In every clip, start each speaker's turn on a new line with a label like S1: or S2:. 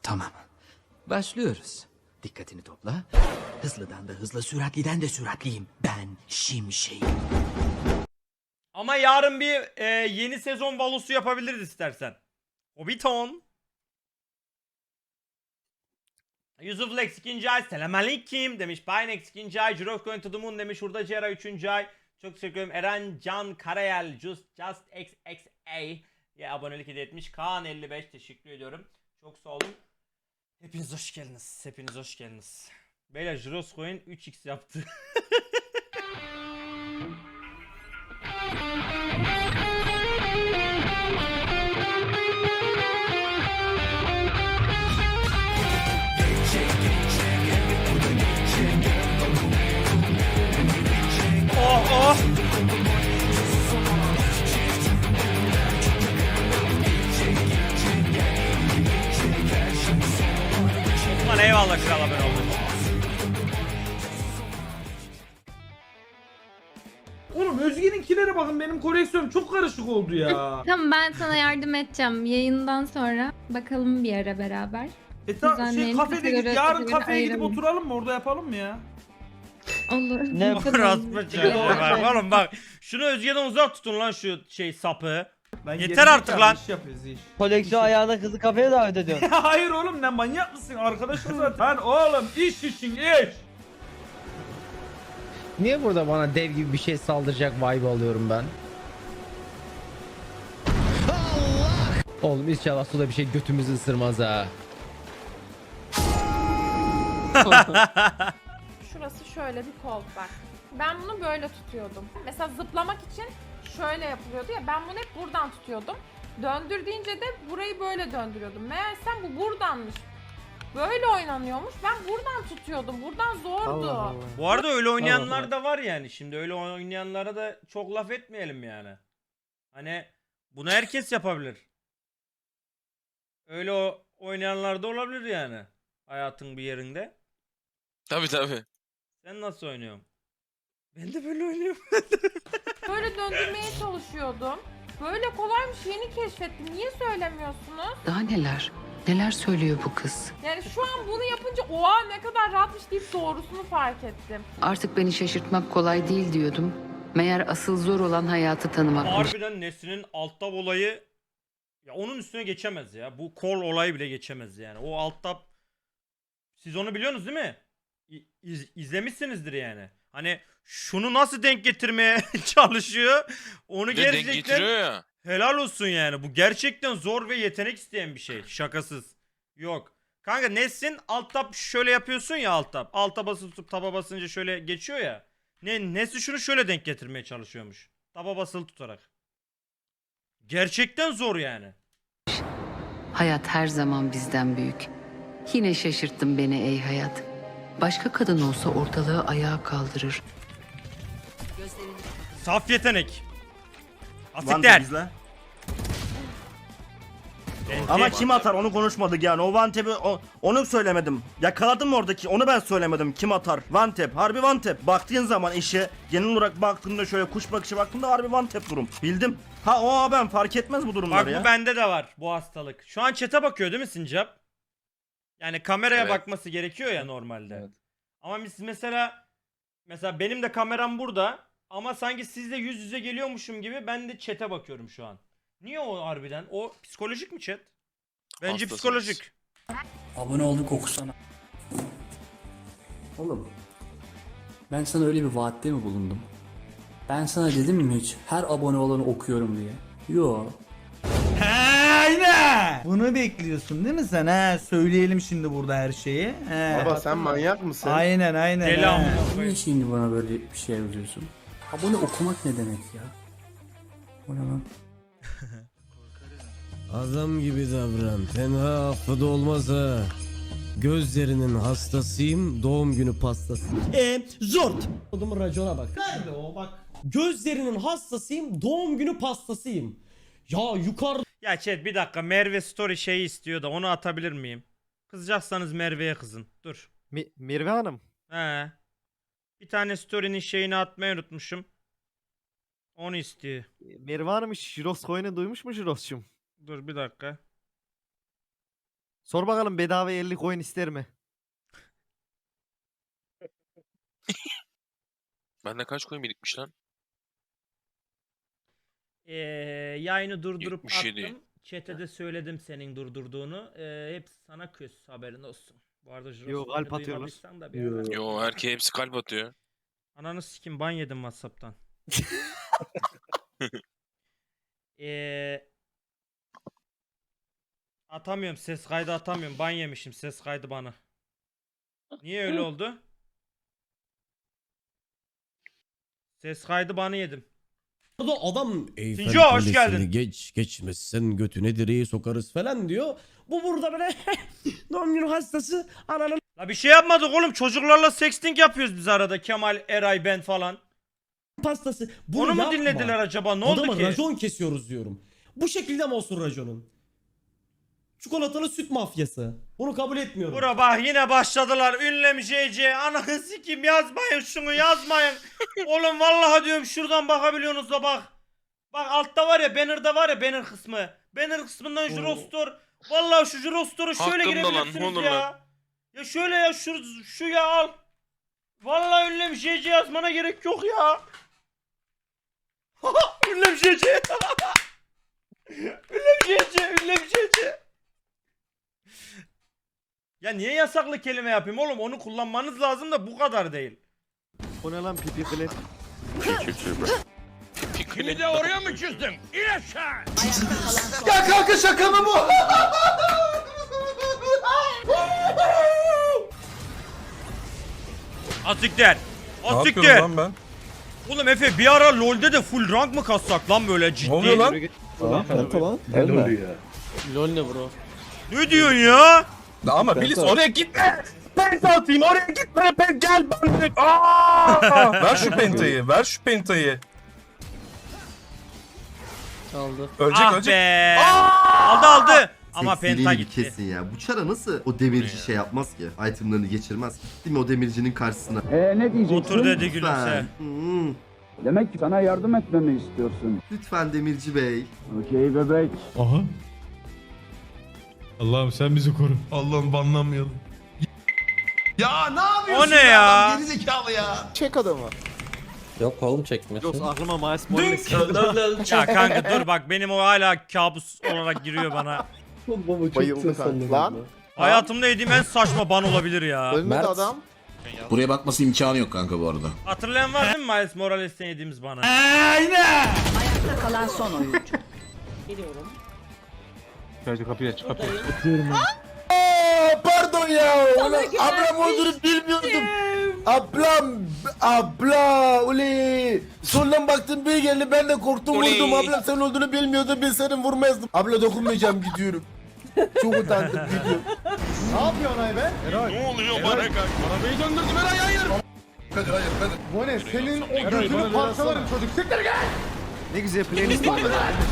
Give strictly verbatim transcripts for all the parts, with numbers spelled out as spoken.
S1: Tamam. Başlıyoruz. Dikkatini topla. Hızlıdan da hızlı, süratliden de süratliyim. Ben Şimşek'im.
S2: Ama yarın bir e, yeni sezon Valosu yapabiliriz istersen. Hobbiton. Yusuf Lex ikinci ay. Selamünaleyküm demiş. Pinex ikinci ay. Jirok Going to the Moon demiş. Hurda Cera üçüncü ay. Çok teşekkür ederim. Eren Can Karayel. Just, just X X A. Ya abonelik hediye etmiş. Kaan elli beş. Teşekkür ediyorum. Çok sağ olun. Hepiniz hoş geldiniz. Hepiniz hoş geldiniz. Beyler Jiroscoin üç x yaptı. Oh oh. Osman eyvallah kral haber oldu.
S3: Oğlum Özge'ninkilere bakın, benim koleksiyonum çok karışık oldu ya.
S4: Tamam, ben sana yardım edeceğim yayından sonra. Bakalım bir ara beraber.
S3: E tamam, şey
S4: Düzenleyelim,
S3: kafede git,
S4: kategori-
S3: yarın
S4: kategori
S3: kafeye gidip
S4: ayıralım.
S3: oturalım mı, orada yapalım mı ya?
S4: Olur.
S5: Ne
S4: bakalım.
S2: Orospu çocuğu var. Oğlum bak şunu Özge'den uzak tutun lan şu şey sapı.
S3: Ben
S2: Yeter
S3: gerizekalı
S2: artık lan.
S3: iş yapıyoruz iş.
S5: Koleksiyon ayağına kızı kafeye davet ediyorsun.
S3: Hayır oğlum, ne manyak mısın, arkadaşım zaten. Lan oğlum, iş için iş.
S6: Niye burada bana dev gibi bir şey saldıracak vibe alıyorum ben? Allah! Oğlum inşallah suda bir şey götümüzü ısırmaz ha.
S7: Şurası şöyle bir kol bak. Ben bunu böyle tutuyordum. Mesela zıplamak için şöyle yapılıyordu ya, ben bunu hep buradan tutuyordum. Döndür deyince de burayı böyle döndürüyordum. Meğersem bu buradanmış. Böyle oynanıyormuş. Ben buradan tutuyordum. Buradan zordu.
S2: Bu arada öyle oynayanlar da var yani. Şimdi öyle oynayanlara da çok laf etmeyelim yani. Hani bunu herkes yapabilir. Öyle o oynayanlar da olabilir yani. Hayatın bir yerinde.
S8: Tabii tabii.
S2: Sen nasıl oynuyorsun? Ben de böyle oynuyorum.
S7: Böyle döndürmeye çalışıyordum. Böyle kolaymış, yeni keşfettim. Niye söylemiyorsunuz?
S9: Daha neler? Neler söylüyor bu kız?
S7: Yani şu an bunu yapınca oha ne kadar rahatmış deyip doğrusunu fark ettim.
S9: Artık beni şaşırtmak kolay değil diyordum. Meğer asıl zor olan hayatı tanımakmış.
S2: Harbiden Nesrin'in alt tab olayı ya onun üstüne geçemez ya. Bu kol olayı bile geçemez yani. O alt tab siz onu biliyorsunuz değil mi? İ- iz- izlemişsinizdir yani. Hani şunu nasıl denk getirmeye çalışıyor? Onu
S8: Bir de denk
S2: gerçekten
S8: getiriyor ya.
S2: helal olsun yani. Bu gerçekten zor ve yetenek isteyen bir şey. Şakasız. Yok. Kanka Nesrin alt tab şöyle yapıyorsun ya alt tab. Alta basıp tutup taba basınca şöyle geçiyor ya. Ne Nesrin şunu şöyle denk getirmeye çalışıyormuş. Taba basılı tutarak. Gerçekten zor yani.
S9: Hayat her zaman bizden büyük. Yine şaşırttın beni ey hayat. Başka kadın olsa ortalığı ayağa kaldırır.
S2: Saf yetenek.
S10: Vantep
S2: Asikler.
S10: izle. Ama kim atar onu konuşmadık yani. O Vantep'i o- onu söylemedim. Yakaladım oradaki, onu ben söylemedim. Kim atar? Vantep. Harbi Vantep. Baktığın zaman işe genel olarak baktığımda şöyle kuş bakışı baktığımda harbi Vantep durum. Bildim. Ha o ben fark etmez bu durumları
S2: Bak
S10: ya.
S2: bu bende de var bu hastalık. Şu an chat'e bakıyor değil mi Sincap? Yani kameraya
S8: Evet.
S2: bakması gerekiyor ya normalde. Ama biz mesela mesela benim de kameram burada ama sanki sizle yüz yüze geliyormuşum gibi ben de chat'e bakıyorum şu an. Niye o harbiden? O psikolojik mi chat? Bence
S8: Hastasınız.
S2: psikolojik.
S11: Abone olduk okusana. Oğlum. Ben sana öyle bir vaatte mi bulundum? Ben sana dedim mi hiç her abone olanı okuyorum diye? Yo.
S3: Aynen. Bunu bekliyorsun değil mi sen? He, söyleyelim şimdi burada her şeyi. He.
S6: Baba sen manyak mısın?
S3: Aynen aynen.
S2: Deli
S3: he.
S2: amına
S11: Niye
S2: koyayım.
S11: şimdi bana böyle bir şey yazıyorsun? Abone okumak ne demek ya? O ne lan?
S6: Adam gibi davran. Tenha affı da olmaz ha. Gözlerinin hastasıyım, doğum günü pastası.
S5: Eee zort. Odumun racona bak.
S3: Nerede o bak.
S5: Gözlerinin hastasıyım, doğum günü pastasıyım. Ya yukarıda
S2: Ya chat bir dakika Merve story şeyi istiyor da onu atabilir miyim? Kızacaksanız Merve'ye kızın. Dur.
S12: Mi Mirve Hanım.
S2: He. Bir tane story'nin şeyini atmayı unutmuşum. Onu istiyor.
S12: Mirve Hanım hiç Jiros Coin'i duymuş mu Jiros'cum?
S2: Dur bir dakika.
S3: Sor bakalım bedava elli coin ister mi?
S8: Bende kaç koyun birikmiş lan?
S2: Ee, yayını durdurup
S8: yetmiş yedi.
S2: attım. Chat'e de söyledim senin durdurduğunu. Ee, hepsi sana küs, haberin olsun. Bu arada Jiros
S3: Yo, kalp
S2: oyunu
S3: atıyorlar.
S2: duymadıysan da bir ara-
S8: Yo erkeğe hepsi kalp atıyor.
S2: Ananı sikim, ban yedim WhatsApp'tan. Ee, atamıyorum, ses kaydı atamıyorum. Ban yemişim ses kaydı bana. Niye öyle oldu? Ses kaydı banı yedim.
S5: Orada adam
S6: Eyfel
S2: Sinco, hoş
S6: Kulesi'ni
S2: geldin.
S6: Geç geçmezsen götüne direği sokarız falan diyor. Bu burada böyle doğum günü hastası ananın
S2: La bir şey yapmadık oğlum, çocuklarla sexting yapıyoruz biz arada, Kemal, Eray, ben falan.
S6: pastası. Bunu
S2: Onu mu
S6: yapma.
S2: dinlediler acaba, ne
S5: Adama
S2: oldu ki?
S5: racon kesiyoruz diyorum. Bu şekilde mi olsun raconun? Çikolatalı süt mafyası. Bunu kabul etmiyorum.
S2: Bura bak yine başladılar, ünlem J C, ananı sikim, yazmayın şunu, yazmayın. Oğlum vallahi diyorum, şuradan bakabiliyorsunuz da bak. Bak altta var ya, banner'da var ya, banner kısmı. Banner kısmından Jurostor. Vallahi şu Jurostor'u şöyle
S8: Hakkımda lan,
S2: girebilirsiniz
S8: ne olur
S2: ya.
S8: lan.
S2: Ya şöyle ya, şu, şu ya al. Vallahi ünlem J C yazmana gerek yok ya. ünlem J C. ünlem J C, ünlem J C. Ya niye yasaklı kelime yapayım oğlum? Onu kullanmanız lazım da bu kadar değil.
S3: O ne lan pipi klep?
S8: Pikli.
S2: oraya mı çizdin? İn aşağı.
S3: Ya kanka şaka mı bu?
S2: Asiktir. Asiktir. lan ben? Oğlum Efe bir ara LoL'de de full rank mı kassak lan böyle ciddi? Ne oluyor lan?
S11: Lol ne bro?
S2: Ne diyorsun ya?
S12: Ama Bilis oraya gitme. Penta atayım oraya gitme. Ben gel ben. Aa! Ver şu pentayı. Ver şu pentayı.
S11: Çaldı.
S12: Ölecek
S2: Ah
S12: ölecek.
S2: be. Aldı aldı. Ama penta gitti.
S13: Kesin ya. Bu çara nasıl o demirci şey yapmaz ki? Itemlarını geçirmez ki. Değil mi o demircinin karşısına?
S11: Eee ne diyeceksin?
S2: Otur dedi gülümse.
S13: Hmm.
S11: Demek ki sana yardım etmemi istiyorsun.
S13: Lütfen demirci bey.
S11: Okey bebek.
S12: Aha. Allah'ım sen bizi koru. Allah'ım banlanmayalım. Ya ne yapıyorsun
S2: O ne ya?
S12: Adam, geri zekalı ya.
S3: Çek adamı.
S11: Yok oğlum çekmesin.
S3: Yok aklıma Miles Morales.
S2: Ya kanka dur bak, benim o hala kabus olarak giriyor bana.
S3: Bayıldı kanka. Lan.
S2: Hayatımda yediğim en saçma ban olabilir ya.
S3: Ölmedi adam.
S12: Buraya bakması imkanı yok kanka bu arada.
S2: Hatırlayan var değil mi Miles Morales'ten yediğimiz bana?
S9: Ayakta kalan son oyuncu.
S3: Pardon ya. Ablam olduğunu bilmiyordum. Ablam. Abla. Uli. Soldan baktım bir geldi. Ben de korktum
S8: Uli.
S3: vurdum. Ablam sen olduğunu bilmiyordum. Ben senin vurmazdım. Abla dokunmayacağım gidiyorum. Çok utandım gidiyorum. Ne yapıyorsun Ayben?
S8: Ne oluyor bana kanka?
S12: Arabayı döndürdüm Eray hayır. Hadi hayır hadi.
S3: Bu ne? Senin o gözünü parçalarım çocuk. Siktir gel. Ne güzel playlist var.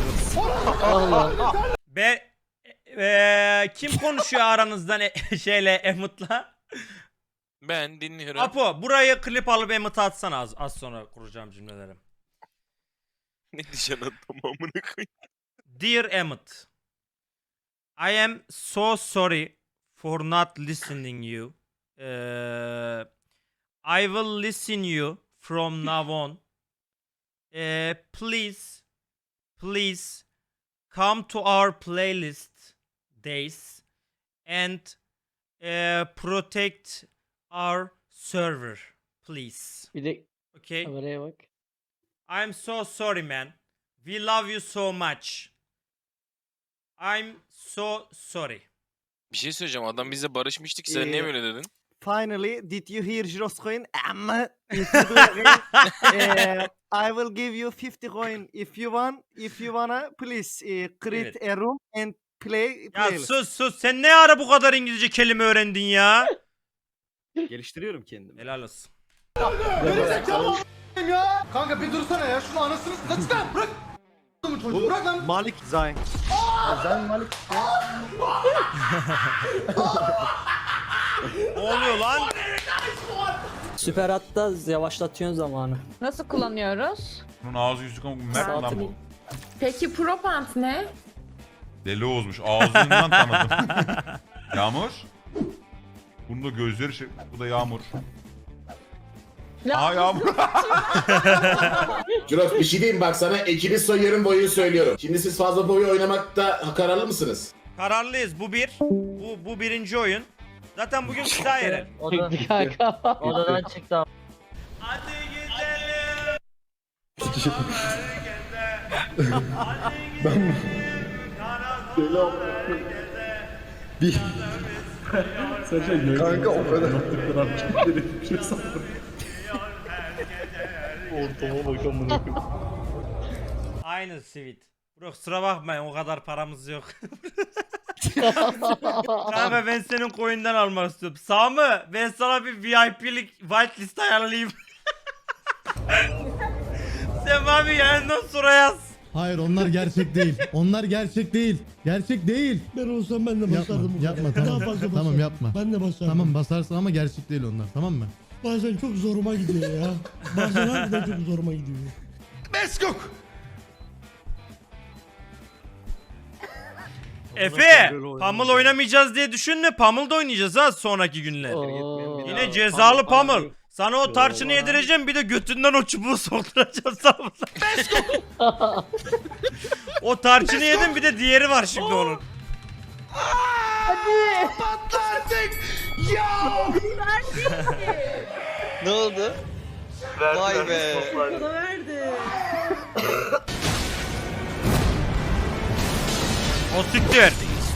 S2: Be eee, kim konuşuyor aranızdan e- şeyle Emut'la?
S8: Ben dinliyorum.
S2: Apo burayı klip alıp Emut'a atsana, az, az sonra kuracağım cümleleri.
S8: Ne diyeceksin adam amına koyayım.
S2: Dear Emut, I am so sorry for not listening you. Uh, I will listen you from now on. Uh, please, please come to our playlist days and uh, protect our server, please.
S11: Bir de
S2: Okay?
S11: kameraya bak.
S2: I'm so sorry, man. We love you so much. I'm so sorry.
S8: Bir şey söyleyeceğim, adam bizle barışmıştık, sen niye böyle dedin?
S3: Finally, did you hear Jiros coin? Amma if you do again, eh, I will give you fifty coin if you want. If you wanna, please eh, create a room and play.
S2: Ya
S3: playlist.
S2: sus sus, sen ne ara bu kadar İngilizce kelime öğrendin ya?
S3: Geliştiriyorum kendimi.
S2: Helal olsun.
S3: Ya kanka bir dursana ya şunu anasını kaç lan bırak. Bu bırak lan. Malik Zayn. Zayn Malik.
S2: Ne oluyor lan?
S11: Süper hatta yavaşlatıyorsun zamanı.
S7: Nasıl kullanıyoruz?
S12: Bunun ağzı yüzü kanka mert lan bu.
S7: Peki Propant ne?
S12: Deli Oğuz'muş ağzından tanıdım. Yağmur. Bunun da gözleri şey. Bu da Yağmur. Aa Yağmur.
S14: Jurox bir şey diyeyim bak sana ekibi sayıyorum boyu söylüyorum. Şimdi siz fazla boyu oynamakta kararlı mısınız?
S2: Kararlıyız. Bu bir. Bu bu birinci oyun. Zaten bugün kısa yeri.
S3: Odadan çıktı.
S2: Hadi gidelim.
S13: Kanka o kadar.
S2: Aynı sweet. Bro kusura bakmayın o kadar paramız yok. Kanka ben senin coin'den almak istiyorum. Sami ben sana bir V I P'lik whitelist ayarlayayım. Sen bana bir yayından sonra yaz.
S5: Hayır onlar gerçek değil. Onlar gerçek değil. Gerçek değil.
S6: Ben olsam ben de basardım.
S5: Yapma, yapma tamam.
S6: Daha fazla
S5: Tamam yapma.
S6: Ben de basardım.
S5: Tamam basarsın ama gerçek değil onlar tamam mı?
S6: Bazen çok zoruma gidiyor ya. Bazen harbiden çok zoruma gidiyor.
S12: Beskok.
S2: Efe, Pummel oynamayacağız diye düşünme. Pummel da oynayacağız ha sonraki günler. Yine cezalı Pummel. Sana o tarçını yedireceğim bir de götünden o çubuğu sokturacağım sana. O tarçını yedim bir de diğeri var şimdi onun.
S8: Hadi. Patlardık. Ya. Ne oldu? Vay be.
S3: Bana verdi.
S2: O siktir.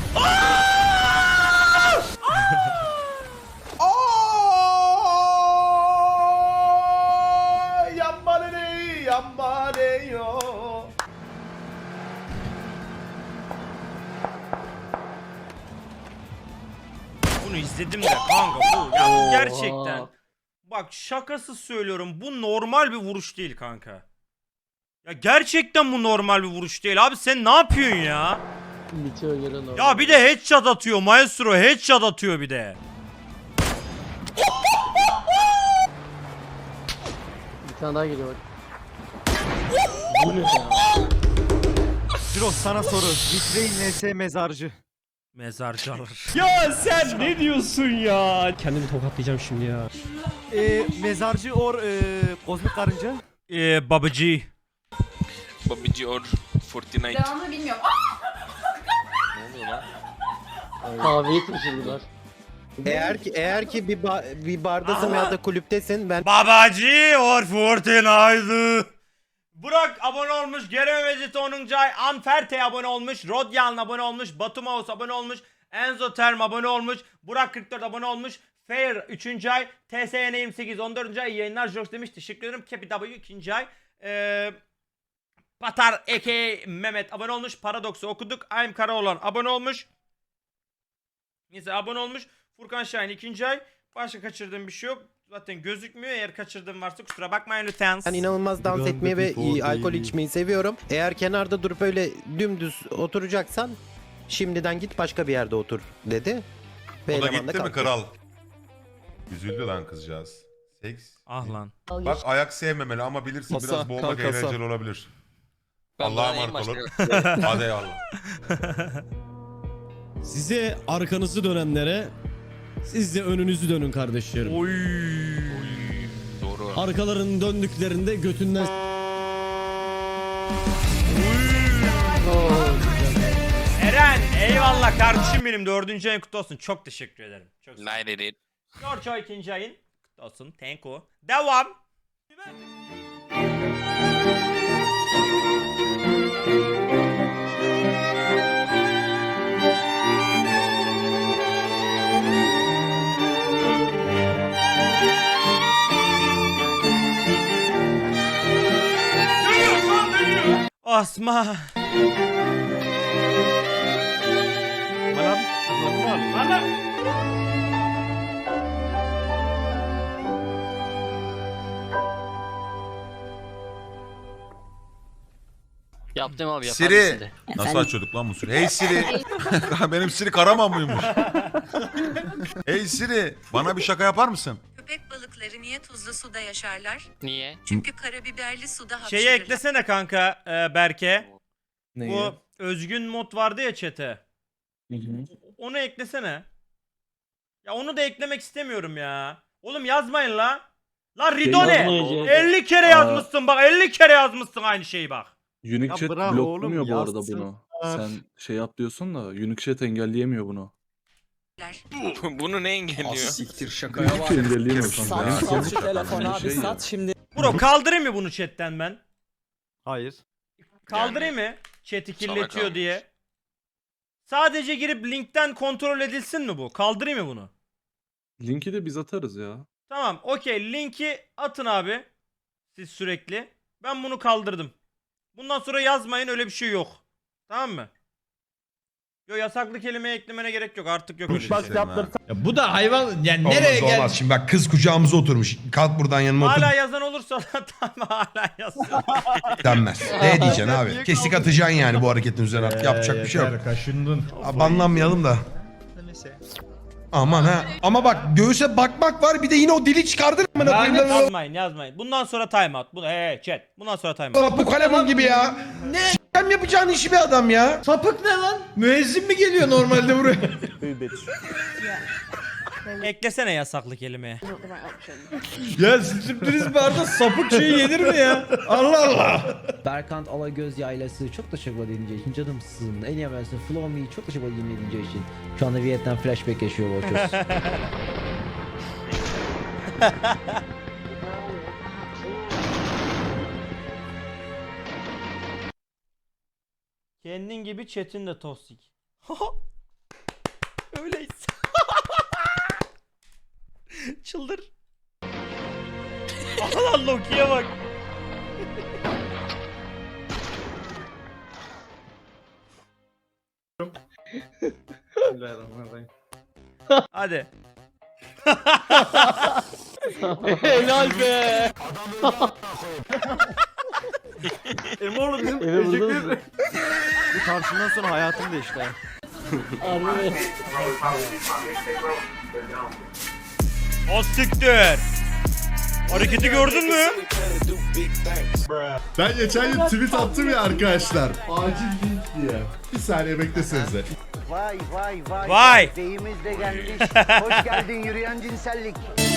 S2: Bunu izledim de kanka bu ya bu gerçekten. Bak şakası söylüyorum bu normal bir vuruş değil kanka. Ya gerçekten bu normal bir vuruş değil abi sen ne yapıyorsun ya? Ya bir de headshot atıyor Maestro headshot atıyor bir de.
S3: Bir tane daha geliyor bak.
S2: Bu ne ya?
S3: Jirox sana soru. Vitrein N S mezarcı.
S2: Mezarcı alır.
S6: Ya sen ne diyorsun ya? Kendimi tokatlayacağım şimdi ya.
S3: Ee, mezarcı or e, kozmik karınca.
S2: Eee babacı.
S8: Babici or kırk dokuz.
S7: Devamını bilmiyorum.
S8: Ne oluyor lan?
S3: Kahveyi taşırdılar.
S6: Eğer ki eğer ki bir ba bir bardasın ya da kulüptesin ben
S2: Babacı or Fortnite. Burak abone olmuş, Kerem Mecit onuncu ay, Anferte abone olmuş, Rodyan abone olmuş, Batu Mouse abone olmuş, Enzo Term abone olmuş, Burak kırk dört abone olmuş, Fair üçüncü ay, T S N yirmi sekiz on dördüncü ay, iyi yayınlar Jox demiş, teşekkür ederim, Capi W ikinci ay, ee, Patar A K Mehmet abone olmuş, Paradox'u okuduk, I'm Karaoğlan abone olmuş, neyse abone olmuş, Furkan Şahin ikinci ay, başka kaçırdığım bir şey yok. Zaten gözükmüyor. Eğer kaçırdığım varsa kusura bakmayın lütfen.
S6: ben inanılmaz dans etmeyi ve iyi alkol içmeyi seviyorum. Eğer kenarda durup öyle dümdüz oturacaksan şimdiden git başka bir yerde otur dedi. Ve
S12: O da
S6: eleman
S12: gitti mi
S6: kalktı.
S12: kral? Üzüldü lan kızcağız. Seks.
S2: Ah lan.
S12: Bak ayak sevmemeli ama bilirsin
S6: Masa,
S12: biraz boğmak
S6: kalkasa.
S12: eğlenceli olabilir.
S8: Ben
S12: Allah'a
S8: daha neyim
S12: emanet olun.
S8: başka?
S12: Hadi eyvallah.
S6: Size arkanızı dönenlere siz de önünüzü dönün kardeşlerim.
S2: Oy.
S8: Doğru.
S6: Arkalarının döndüklerinde götünden
S2: Eren eyvallah kardeşim benim dördüncü ayın kutlu olsun. Çok teşekkür ederim. Çok sağ ol.
S8: Night edit.
S2: George o ikinci ayın kutlu olsun. Thank you. Devam. Osman.
S3: Yaptım abi
S12: Siri. Nasıl açıyorduk lan bu Siri? Hey Siri. Benim Siri Karaman mıymış? Hey Siri. Bana bir şaka yapar mısın?
S9: Köpek balıkları niye tuzlu suda yaşarlar?
S3: Niye?
S9: Çünkü karabiberli suda
S2: Şeyi eklesene kanka e, Berke. Bu özgün mod vardı ya chat'e. Onu eklesene. Ya onu da eklemek istemiyorum ya. Oğlum yazmayın la. La Rido ne? elli kere yazmışsın bak, elli kere yazmışsın aynı şeyi bak.
S3: Unique Chat bloklamıyor bu arada bunu.
S11: Sen şey yap diyorsun da Unique Chat engelleyemiyor bunu.
S8: Bunu ne engelliyor?
S12: Siktir şakaya var.
S11: Engelleyemiyor kanka.
S12: Sat,
S11: Yani
S12: sat
S11: sonuç
S12: şu telefonu
S11: aynı
S12: abi,
S11: şey ya.
S12: sat şimdi.
S2: Bro kaldırayım mı bunu chatten ben?
S3: Hayır.
S2: Kaldırayım mı? Chat'i kirletiyor
S8: kalmış.
S2: diye. Sadece girip linkten kontrol edilsin mi bu? Kaldırayım mı bunu?
S11: Linki de biz atarız ya.
S2: Tamam, okey. Linki atın abi. Siz sürekli. Ben bunu kaldırdım. Bundan sonra yazmayın, öyle bir şey yok. Tamam mı? Yo, yasaklı kelimeye eklemene gerek yok. Artık yok öyle bir şey.
S12: Ya bu da hayvan yani nereye geldi? Olmaz şimdi bak kız kucağımıza oturmuş. Kalk buradan yanıma otur
S2: Hala yazan olursa da tamam, hala yazsın.
S12: denmez. Ne diyeceksin abi? Kesik atacaksın yani bu hareketin üzerine artık yapacak bir şey yok. Kaşındın. Banlanmayalım da. Aman ha. Ama bak göğüse bakmak var bir de yine o dili çıkardın mı?
S2: Yazmayın, yazmayın. Bundan sonra timeout. Bu hey chat. Bundan sonra timeout.
S12: Bu kalemun gibi ya. Ne? S**em yapacağın işi bir adam ya.
S5: Sapık ne lan? Müezzin mi geliyor normalde buraya?
S2: Eklesene yasaklı kelimeye.
S5: Ya sürpriz barda sapık şey yenir mi ya? Allah Allah.
S1: Berkant Alagöz Yaylası çok teşekkür edince için canımsın. En iyi versiyonu Flow Me çok teşekkür edince için. Şu anda Vietnam flashback yaşıyor Volchos.
S2: Kendin gibi chat'in de toksik. Öyleyiz. Çıldır. Allah Loki'ye bak. Hadi.
S3: Helal be. Emoğlu bizim teşekkür. Bu tartışmadan sonra hayatım değişti.
S2: O siktir. Hareketi gördün mü?
S13: Ben geçen gün tweet attım ya arkadaşlar. Acil link diye. Bir saniye beklesenize.
S1: Vay vay vay.
S2: Vay.
S1: Beyimiz de gelmiş. Hoş geldin yürüyen cinsellik.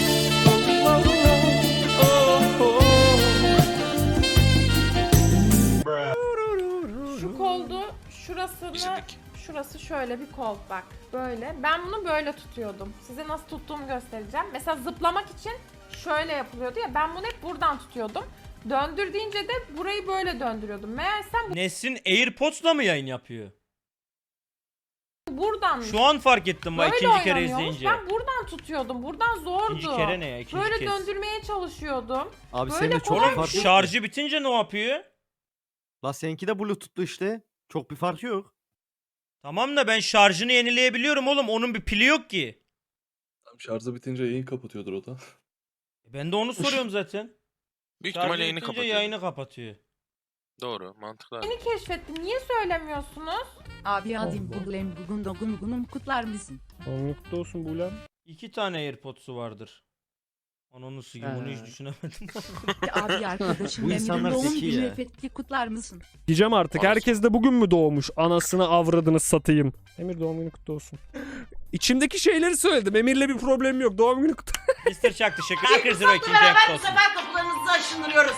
S7: Şu koldu, şurasını,
S8: İçindeki.
S7: şurası şöyle bir kol bak. Böyle. Ben bunu böyle tutuyordum. Size nasıl tuttuğumu göstereceğim. Mesela zıplamak için şöyle yapılıyordu ya. Ben bunu hep buradan tutuyordum. Döndür deyince de burayı böyle döndürüyordum. Meğersem bu
S2: Nesrin AirPods'la mı yayın yapıyor?
S7: buradan
S2: Şu an fark ettim bak
S7: böyle
S2: ikinci kere
S7: oynanıyormuş.
S2: izleyince.
S7: Ben buradan tutuyordum. Buradan zordu.
S2: İkinci kere ne ya? İkinci
S7: Böyle
S2: kez.
S7: döndürmeye çalışıyordum.
S3: Abi
S7: Böyle
S3: senin de çok
S7: kolay-
S3: bir fark yok.
S2: Şarjı bitince ne yapıyor?
S3: La seninki de Bluetooth'lu işte. Çok bir fark yok.
S2: Tamam da ben şarjını yenileyebiliyorum oğlum. Onun bir pili yok ki.
S11: Şarjı bitince yayın kapatıyordur o da.
S2: Ben de onu soruyorum zaten.
S8: Büyük
S2: Şarjı
S8: ihtimalle yayını
S2: bitince
S8: kapatıyor.
S2: yayını kapatıyor.
S8: Doğru, mantıklı.
S7: Yeni keşfettim. Niye söylemiyorsunuz?
S9: Abi adım Buglem bugün doğum günüm kutlar mısın?
S5: Mutlu olsun Bulem.
S2: İki tane AirPods'u vardır. Onun su gibi bunu hiç
S3: Ha.
S2: düşünemedim.
S9: Abi arkadaşım
S3: Bu insanlar
S9: doğum
S3: zeki
S9: günü
S3: ya.
S9: efekti kutlar mısın?
S5: Diyeceğim artık herkes de bugün mü doğmuş? Anasını avradını satayım. Emir doğum günü kutlu olsun. İçimdeki şeyleri söyledim. Emir'le bir problemim yok. Doğum günü kutlu.
S2: mister Chuck teşekkür ederim. Zero ikinci hep olsun.
S15: kapılarınızı aşındırıyoruz.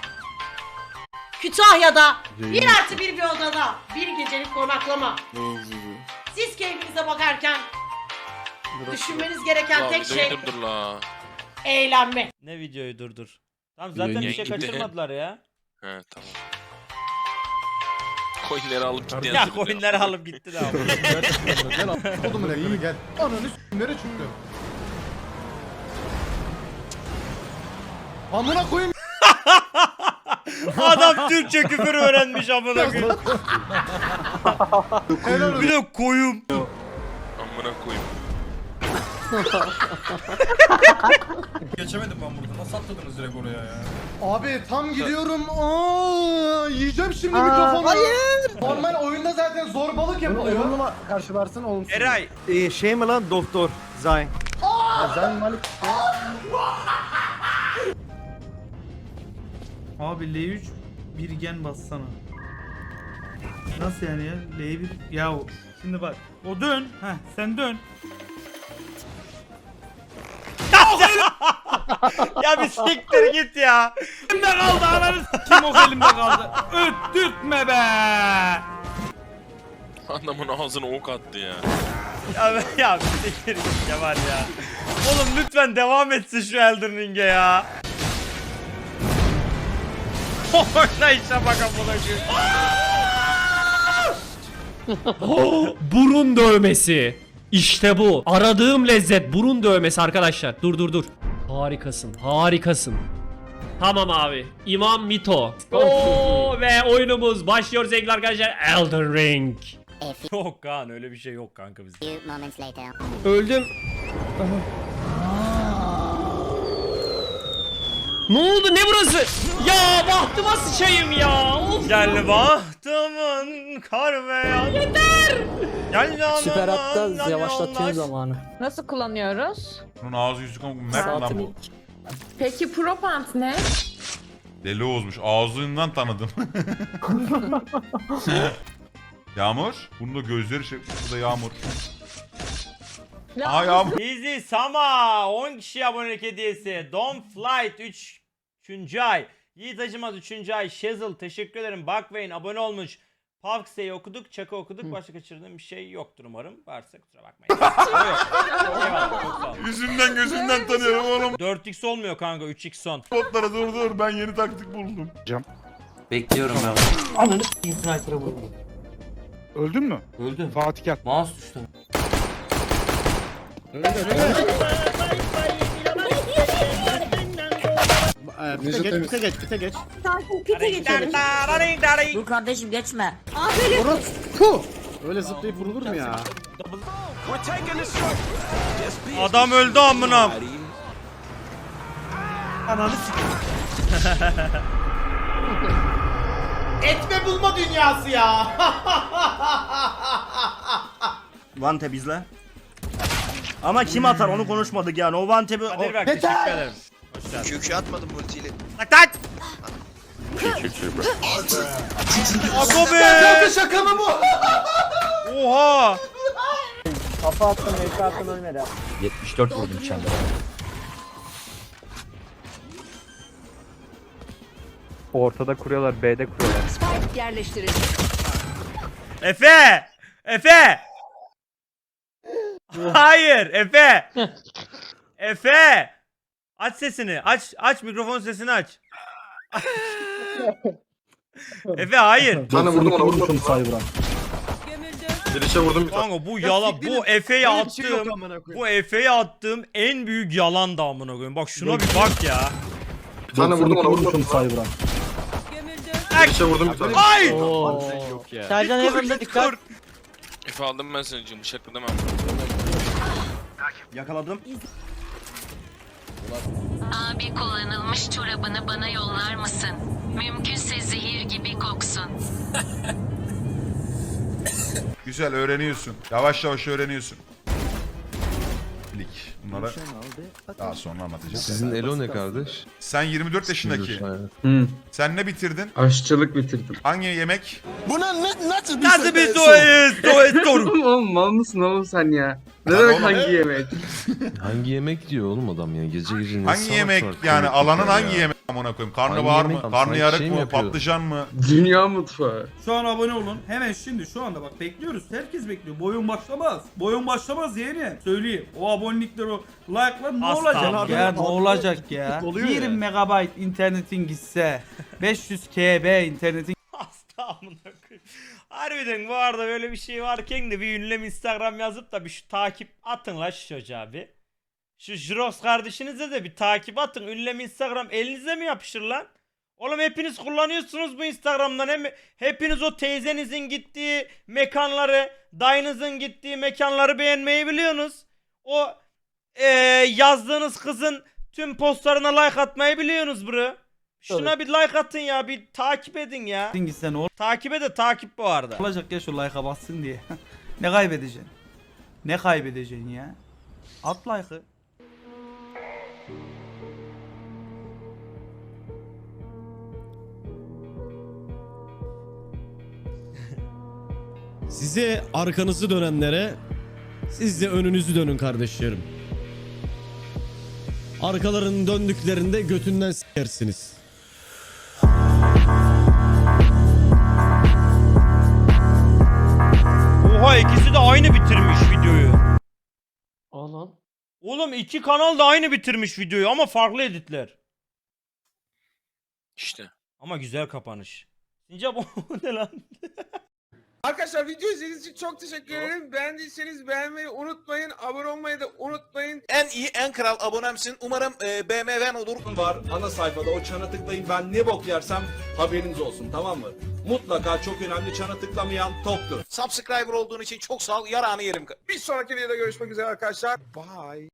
S15: Kütahya'da bir artı bir bir odada bir gecelik konaklama. Siz keyfinize bakarken düşünmeniz gereken
S8: La,
S15: tek şey
S8: dur la.
S15: eğlenme.
S2: Ne videoyu durdur. Tamam zaten
S11: Yayın
S2: bir şey
S8: gitti.
S2: kaçırmadılar ya.
S8: He tamam. Coinleri alıp gitti.
S2: Ya coinleri alıp gitti de abi.
S13: Oğlum iyi gel. Ananı s*** nereye çıktı? Amına koyayım.
S2: Adam Türkçe küfür öğrenmiş amına koyayım. Bir de koyum.
S8: Amına koyayım.
S12: Geçemedim ben burada. Nasıl atladınız direkt oraya ya?
S13: Abi tam gidiyorum. Aa, yiyeceğim şimdi mikrofonu. Hayır. Normal oyunda zaten zorbalık yapılıyor. Olumlu karşılarsın olumsuz.
S2: Eray.
S3: Ee, şey mi lan doktor Zayn?
S13: Zayn Malik.
S5: Abi L üç bir gen bassana. Nasıl yani ya? L bir ya o- şimdi bak. O dön. Heh sen dön.
S2: Ya bir siktir git ya.
S16: Elimde kaldı ananı kim o elimde kaldı. Öttürtme be.
S8: Adamın ağzına ok attı ya.
S2: Ya, ya bir siktir git ya var ya. Oğlum lütfen devam etsin şu Elden Ring'e ya. Oyna işe bak amına koyayım.
S5: Burun dövmesi. İşte bu. Aradığım lezzet burun dövmesi arkadaşlar. Dur dur dur. Harikasın. Harikasın. Tamam abi. İmam Mito. Oo, ve oyunumuz başlıyor sevgili arkadaşlar. Elden Ring.
S2: Yok Kaan öyle bir şey yok kanka bizde.
S5: Öldüm. Ne oldu ne burası? Ya bahtıma sıçayım ya. Of.
S2: Gel bahtımın kar ve yağ. Yeter. Gel canımın
S11: Süper hatta
S2: yan
S11: yavaşlatıyor
S2: yoldaş.
S11: zamanı.
S7: Nasıl kullanıyoruz?
S17: Bunun ağzı yüzü kanka mermi lan bu.
S7: Peki Propant ne?
S17: Deli Oğuz'muş. Ağzından tanıdım. Yağmur. Bunun da gözleri şey. Bu da Yağmur. Aa Yağmur.
S2: Easy Sama on kişi abonelik hediyesi. Don Flight üç. üçüncü ay. Yiğit Acımaz üçüncü ay. Shizzle teşekkür ederim. Buckwayne abone olmuş. Pavkse'yi okuduk. Çaka okuduk. Başka kaçırdığım bir şey yoktur umarım. Varsa kusura bakmayın. Yok. Eyvallah, çok sağ ol.
S17: Yüzünden gözünden tanıyorum oğlum.
S2: dört x olmuyor kanka. üç x son.
S17: Botlara dur dur. Ben yeni taktik buldum.
S16: Bekliyorum ben. Ananı s**eyim sniper'a vurdum.
S13: Öldün mü?
S16: Öldüm.
S13: Fatih gel.
S16: Mouse düştü.
S13: Pite geç, pite geç, pite geç.
S15: Pite geçelim. Dur kardeşim geçme.
S13: Puh! Öyle zıplayıp vurulur mu ya?
S2: Adam öldü amına.
S16: Ananı s**eyim.
S15: Etme bulma dünyası ya.
S10: Vante bizle. Ama kim atar onu konuşmadık yani. O Vante bir...
S2: Kadir bak teşekkür ederim. Hoş geldin.
S8: Kökü atmadım ultiyle.
S2: Tak tak. Ako be.
S13: Şaka mı bu?
S2: Oha.
S3: Kafa attım, F attım ölmedi.
S1: yetmiş dört vurdum içeride.
S3: Ortada kuruyorlar, B'de kuruyorlar.
S15: Yerleştirin.
S2: Efe. Efe. Hayır Efe. Efe. Aç sesini. Aç aç mikrofon sesini aç. Efe hayır.
S13: Sana vurdum ona vurdum. Girişe vurdum.
S2: Kanka bu yalan bu Efe'ye attığım bu Efe'ye attığım en büyük yalan da amına koyayım. Bak şuna bir bak ya.
S13: Sana vurdum ona vurdum. Girişe vurdum.
S2: Ay!
S3: Yok ya. Sercan Evan'da dikkat.
S8: Efe aldım ben seni canım bıçakla demem.
S10: Yakaladım.
S9: Abi kullanılmış çorabını bana yollar mısın? Mümkünse zehir gibi koksun.
S17: Güzel öğreniyorsun. Yavaş yavaş öğreniyorsun. Lik. Bunlara daha sonra anlatacağım.
S13: Sizin Elo ne kardeş?
S17: Sen yirmi dört yaşındaki. Sen ne bitirdin?
S13: Aşçılık bitirdim.
S17: Hangi yemek?
S13: Buna ne nasıl bir
S2: Nasıl bir soyuz? Soyuz soru.
S13: Oğlum mal mısın oğlum sen ya? Ne
S17: Lan
S13: demek
S17: oğlum.
S13: hangi yemek?
S18: Hangi yemek diyor oğlum adam ya gece gece ne
S17: Hangi
S18: salak
S17: yemek
S18: salak
S17: yani
S18: konuşuyor
S17: alanın
S18: ya.
S17: hangi yemek amına koyayım? Karnabahar
S18: Hangi
S17: mı?
S18: yemek?
S17: Karnı
S18: Sanki
S17: yarık
S18: şey mi
S17: mı?
S18: yapıyor?
S17: Patlıcan mı?
S13: Dünya mutfağı.
S16: Şu an abone olun. Hemen şimdi şu anda bak bekliyoruz. Herkes bekliyor. Boyun başlamaz. Boyun başlamaz yeğeni. Söyleyeyim. O abonelikler o like'lar ne
S2: Asla.
S16: olacak
S2: Abi,
S16: ya?
S3: abi,
S16: Ne olacak
S3: oluyor
S16: ya?
S3: ya.
S16: bir megabayt internetin gitse beş yüz kilobayt internetin
S2: Hasta amına koyayım. Harbiden bu arada böyle bir şey varken de bir ünlem Instagram yazıp da bir şu takip atın la şu çocuğa bir. Şu Jirox kardeşinize de bir takip atın. Ünlem Instagram elinize mi yapışır lan? Oğlum hepiniz kullanıyorsunuz bu Instagram'dan. Hem hepiniz o teyzenizin gittiği mekanları, dayınızın gittiği mekanları beğenmeyi biliyorsunuz. O eee, yazdığınız kızın tüm postlarına like atmayı biliyorsunuz bro. Şuna bir like atın ya, bir takip edin ya.
S16: gitse ne
S2: Takip de takip bu arada.
S16: olacak ya şu like'a bassın diye. Ne kaybedeceksin? Ne kaybedeceksin ya? At like'ı.
S11: Size arkanızı dönenlere siz de önünüzü dönün kardeşlerim.
S19: Arkalarının döndüklerinde götünden s**ersiniz.
S2: Oha ikisi de aynı bitirmiş videoyu.
S5: Oğlum.
S2: Oğlum iki kanal da aynı bitirmiş videoyu ama farklı editler.
S8: İşte.
S2: Ama güzel kapanış. Sincap o ne lan?
S20: Arkadaşlar video izlediğiniz için çok teşekkür ederim. Beğendiyseniz beğenmeyi unutmayın. Abone olmayı da unutmayın.
S21: En iyi en kral abonemsin. Umarım e, B M W'n olur. Var ana sayfada o çana tıklayın. Ben ne bok yersem haberiniz olsun, tamam mı? Mutlaka çok önemli, çana tıklamayan toptur. Subscriber olduğun için çok sağ ol. Yarağını yerim.
S20: Bir sonraki videoda görüşmek üzere arkadaşlar. Bye.